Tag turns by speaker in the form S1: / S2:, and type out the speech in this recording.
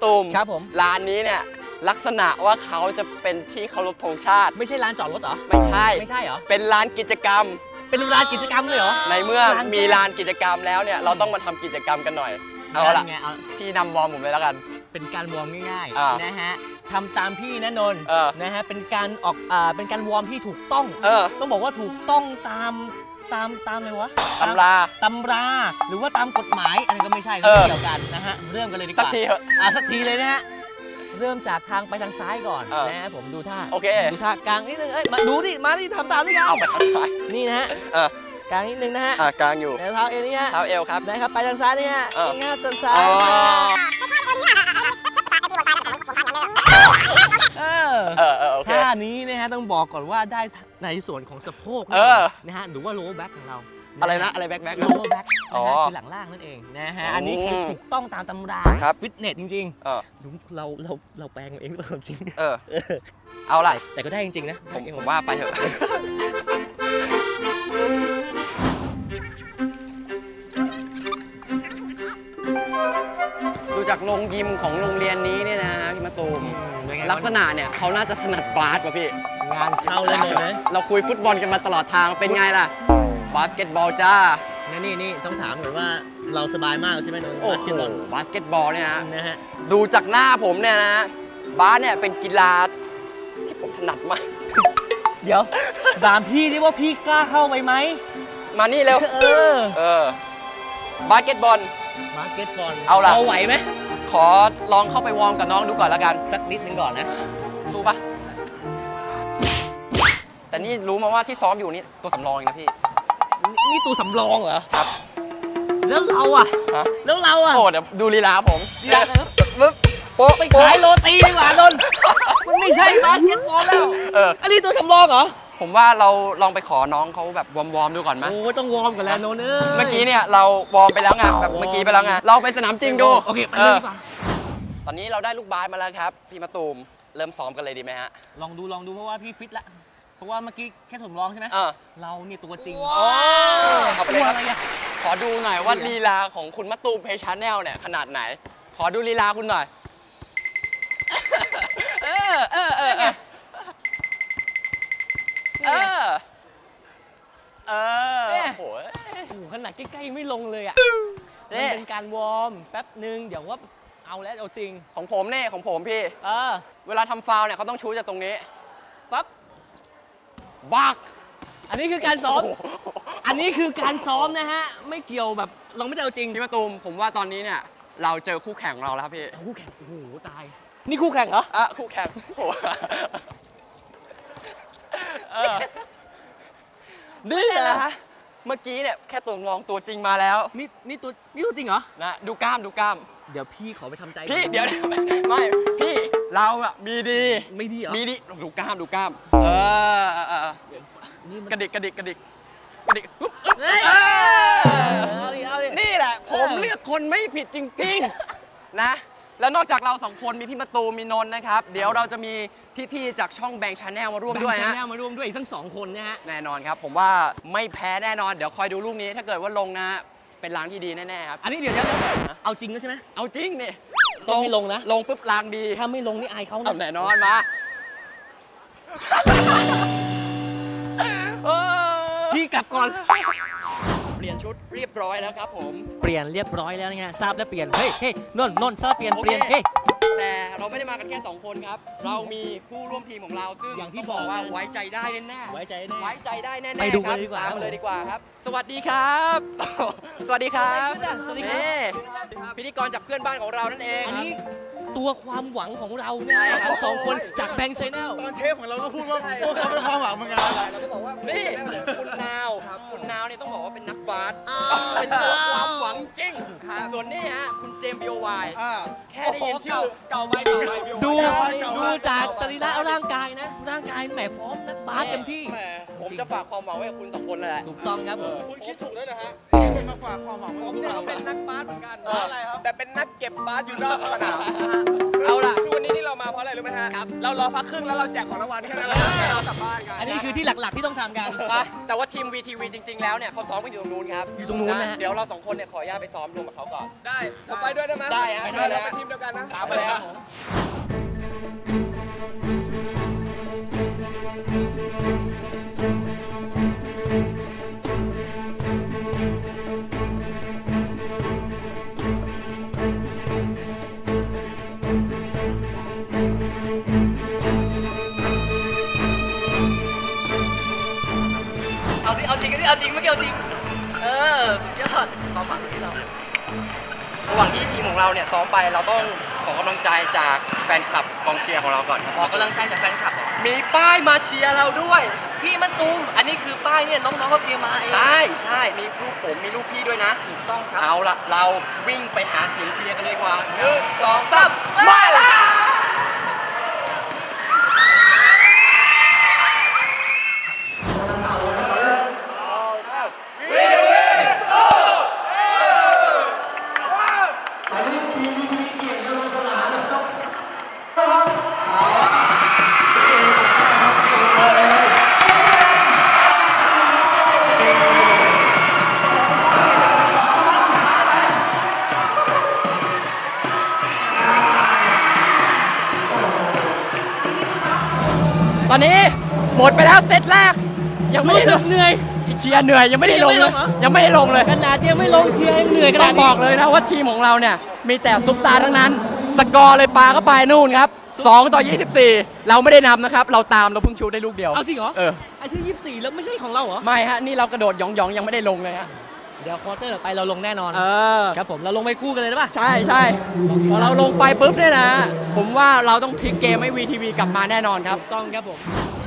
S1: ตูม
S2: ครับผม
S1: ร้านนี้เนี่ยลักษณะว่าเขาจะเป็นที่เคารพธงชาติ
S2: ไม่ใช่ร้านจอดรถเหรอ
S1: ไม่ใช่
S2: เหรอ
S1: เป็นร้านกิจกรรม
S2: เป็นร้านกิจกรรมเลยเหรอ
S1: ในเมื่อมีลานกิจกรรมแล้วเนี่ยเราต้องมาทำกิจกรรมกันหน่อยเอาละพี่นำวอร์มผมเลยแล้วกัน
S2: เป็นการวอร์มง่ายๆนะฮะทำตามพี่นะนนท์นะฮะเป็นการออกเป็นการวอร์มที่ถูกต้องต้องบอกว่าถูกต้องตามอะไรวะ
S1: ตำรา
S2: หรือว่าตามกฎหมายอันนี้ก็ไม่ใช่ไม่เกี่ยวกันนะฮะเริ่มกันเลยดีกว่า
S1: สักทีเถอะ
S2: สักทีเลยนะฮะเริ่มจากทางไปทางซ้ายก่อนนะฮะผมดูท่า
S1: โอเค
S2: ดูท่ากลางนิดนึงมาดูดิมาดิทำตามด้วยกัน
S1: เอาไปทางซ้าย
S2: นี่นะฮะกลางนิดนึงนะฮะ
S1: กลางอยู่
S2: เท้าเอวนี่ฮะ
S1: เท้าเอวครับ
S2: นะครับไปทางซ้ายนี่ฮะง่ายๆซ้ายท่านี้นะฮะต้องบอกก่อนว่าได้ในส่วนของสะโพกนะฮะหรือว่าโลว์แบ็คของเรา
S1: อะไรนะอะไรแบ็ค
S2: โลว์แบ็คคือหลังล่างนั่นเองนะฮะอันนี้คือถูกต้องตามตำราฟิตเนสจริงๆเราแปลงเองความจริง
S1: เอาไร
S2: แต่ก็ได้จริงๆนะ
S1: ผมว่าไปเถอะดูจากโรงยิมของโรงเรียนนี้เนี่ยนะพี่มะตูมลักษณะเนี่ยเขาน่าจะถนัดบาสป่ะพี่
S2: งานเข้าเลยนะ
S1: เราคุยฟุตบอลกันมาตลอดทางเป็นไงล่ะบาสเกตบอลจ้า
S2: นี่ต้องถามหน่อยว่าเราสบายมากใช่ไหมน้องบาสเกตบอล
S1: เนี่ยนะฮะดูจากหน้าผมเนี่ยนะบาสเนี่ยเป็นกีฬาที่ผมถนัดมาก
S2: เดี๋ยวถามพี่ดิว่าพี่กล้าเข้าไปไหม
S1: มานี่เร็วบาสเกตบอลเอาไหวไหมขอลองเข้าไปวอร์มกับน้องดูก่อนแล้วกัน
S2: สักนิดนึงก่อนนะ
S1: สู้ปะแต่นี่รู้มาว่าที่ซ้อมอยู่นี่ตัวสำรองเองนะพี่
S2: นี่ตัวสำรองเหรอ
S1: ครับ
S2: แล้วเรา
S1: โอ้เดี๋ยวดูลีลาผม
S2: โป๊ะไปขายโรตีดีกว่านนท์มันไม่ใช่บาสเกตบอลแล้วอันนี้ตัวสำรองเหรอ
S1: ผมว่าเราลองไปขอน้องเขาแบบวอร์มดูก่อนไหม
S2: โอ้ต้องวอร์มกันแล้วโนน
S1: เมื่อกี้เนี่ยเราวอร์มไปแล้วไงแบบเมื่อกี้ไปแล้วไงเราไปสนามจริงดู
S2: โอเคไปเลยดีกว่า
S1: ตอนนี้เราได้ลูกบาสมาแล้วครับพี่มะตูมเริ่มซ้อมกันเลยดีไหมฮะ
S2: ลองดูเพราะว่าพี่ฟิตละเพราะว่าเมื่อกี้แค่สำรองใช่ไหมเราเนี่ยตัวจริง
S1: เอาไปเลยครับขอดูหน่อยว่าลีลาของคุณมะตูมเพชรแนลเนี่ยขนาดไหนขอดูลีลาคุณหน่อย
S2: โอ้โหขนาดใกล้ๆไม่ลงเลยอ่ะมันเป็นการวอร์มแป๊บนึงเดี๋ยวว่าเอาแล้วเอาจริง
S1: ของผมพี่เวลาทำฟาวล์เนี่ยเขาต้องชูจากตรงนี้
S2: ปั๊บ
S1: บัก
S2: อันนี้คือการซ้อมนะฮะไม่เกี่ยวแบบเราไม่ได้เอาจริง
S1: พี่มะตูมผมว่าตอนนี้เนี่ยเราเจอคู่แข่งของเราแล้วครับพี่
S2: คู่แข่งโอ้โหตายนี่คู่แข่งเหรอ
S1: คู่แข่งนี่แหละเมื่อกี้เนี่ยแค่ตัวงองตัวจริงมาแล้ว
S2: นี่ตัวจริงเหรอ
S1: นะดูกล้าม
S2: เดี๋ยวพี่ขอไปทำใจ
S1: พี่เดี๋ยวไม่พี่เราอะมีดี
S2: ไม่ดีเหรอ
S1: มีดีดูกล้ามกระดิกนี่แหละผมเลือกคนไม่ผิดจริงๆนะแล้วนอกจากเราสองคนมีพี่มะตูมมีนนท์นะครับเดี๋ยวเราจะมีพี่ๆจากช่องแบงค์ชาแนลมาร่วมด้วยฮะ
S2: อีกทั้ง2คนนะฮะ
S1: แน่นอนครับผมว่าไม่แพ้แน่นอนเดี๋ยวคอยดูลูกนี้ถ้าเกิดว่าลงนะเป็นล้างที่ดีแน่ๆครับ
S2: อันนี้เดี๋ยวเอาจริงแล้วใช่ไหม
S1: เอาจริงนี่
S2: ต้องไม่ลงนะ
S1: ลงปุ๊บล้างดี
S2: ถ้าไม่ลงนี่อายเขา
S1: แน่นอนมา
S2: พี่กลับก่อน
S1: เปลี่ยนชุดเรียบร้อยแล้วครับผม
S2: เปลี่ยนเรียบร้อยแล้วไงทราบแล้วเปลี่ยนเฮ้ยนนท์ทราบเปลี่ยนเฮ้ย
S1: แต่เราไม่ได้มากันแค่2คนครับเรามีผู้ร่วมทีมของเราซึ่ง
S2: อย่างที่บอก
S1: ว่าไว้ใจได้แน่ๆ
S2: ไว้ใจ
S1: ได้แน่ๆไปดูกันดีกว่าตามมาเลยดีกว่าครับสวัสดีครับสวัสดีครับพิธีกรจากเพื่อนบ้านของเรานั่นเอง
S2: อันนี้ตัวความหวังของเราเนี่ยทั้ง2คนจากแบงค์ชาแนล
S3: ตอนเทปของเราก็พูดว่าพวกเขาเป็นความหวังเหมือนกัน
S1: เราก็บอกว่านี่คุณนาวเนี่ยต้องบอกว่าเป็นนักบาสเป็นตัวความหวังจริงส่วนนี้ฮะคุณเจมส์ BOY แค่ได้ยินชื่อ
S2: ดูจากสรีระร่างกายนะร่างกายายแหมพร้อมนักบาสเต็มที่
S3: แหม
S1: ผมจะฝากความหวังไว้กับคุณ2 คนเลยแหละ
S2: ถูกต้องครับผม
S3: คุณคิดถูกแล้วนะฮะคุณมาฝากความหวังไว้กับพวกเรา
S4: เป็นนักบาสเหมือนกัน
S3: อะไรครับ
S4: แต่เป็นนักเก็บบาสอยู่นอกสนาม
S1: เอาล่ะ
S4: คือวันนี้ที่เรามาเพราะอะไรรู้ไหมฮะ
S1: ครับ
S4: เรารอพักครึ่งแล้วเราแจกของรางวัลแค่นั้นเรากลับบ้านกัน
S2: อันนี้คือที่หลักๆที่ต้องทำกัน
S1: นะแต่ว่าทีม VTV จริง ๆ แล้วเนี่ยเขาซ้อมกันอยู่ตรงนู้นครับ
S2: อยู่ตรงนู้นนะฮะ
S1: เดี๋ยวเรา2 คนเนี่ยขออนุญาตไปซ้อมรวมกับเขาก่อน
S4: ได้ผมไปด้วยได้ไหม
S1: ได้ฮะ
S4: ไป
S1: เชิญเลย
S4: เรา
S1: ฮะ
S4: เป็นทีมเดียวกันนะ
S1: ตามไปเลยฮะ
S2: เอาสิเอาจริงเอาจริงไม่เกี่ยวจริงยอดความหวังที่เรา
S1: ระหว่างที่ทีมของเราเนี่ยซ้อมไปเราต้องขอกำลังใจจากแฟนคลับกองเชียร์ของเราก่อนครับ
S2: ขอกำลังใจจากแฟนคลับเหรอ
S1: มีป้ายมาเชียร์เราด้วย
S2: พี่มันตูมอันนี้คือป้ายเนี่ยน้องๆเขาเตรียมมาเอง
S1: ใช่ใช่มีรูปผมมีรูปพี่ด้วยนะ
S2: ถูกต้องครับ
S1: เอาละเราวิ่งไปหาเสียงเชียร์กันเลยดีกว่า1 2 3มาละตอนนี้หมดไปแล้วเซตแรก ยังไม่
S2: รู้
S1: ได้
S2: สึกเหนื่อย
S1: เชียร์เหนื่อยยังไม่ได้ลงเลย ยังไม่ได้ลงเลย
S2: ขนาดยังไม่ลงเชียร์ยังเหนื่อยข
S1: ต้
S2: นา
S1: อ
S2: ด
S1: ง
S2: นี้
S1: บอกเลยนะว่าทีมของเราเนี่ยมีแต่ซุปตาร์ทั้งนั้น สกอร์เลยปาเข้าไปนู่นครับ2-24 เราไม่ได้นำนะครับ เราตามเราเพิ่งชูได้ลูกเดียว
S2: เอาจริงเหรอ
S1: เออ
S2: ไอ้ที่24แล้วไม่ใช่ของเราเหรอ
S1: ไม่ฮะ นี่เรากระโดดหยองๆยังไม่ได้ลงเลยฮะ
S2: เดี๋ยวควอเตอร์ต่อไปเราลงแน่นอน
S1: เออ
S2: ครับผมเราลงไปคู่กันเลยได้ปะ
S1: ใช่ใช่พอเราลงไปปุ๊บเนี่ยนะ ผมว่าเราต้องพลิกเกมให้ VTV กลับมาแน่นอนครับ
S2: ถูกต้องครับผม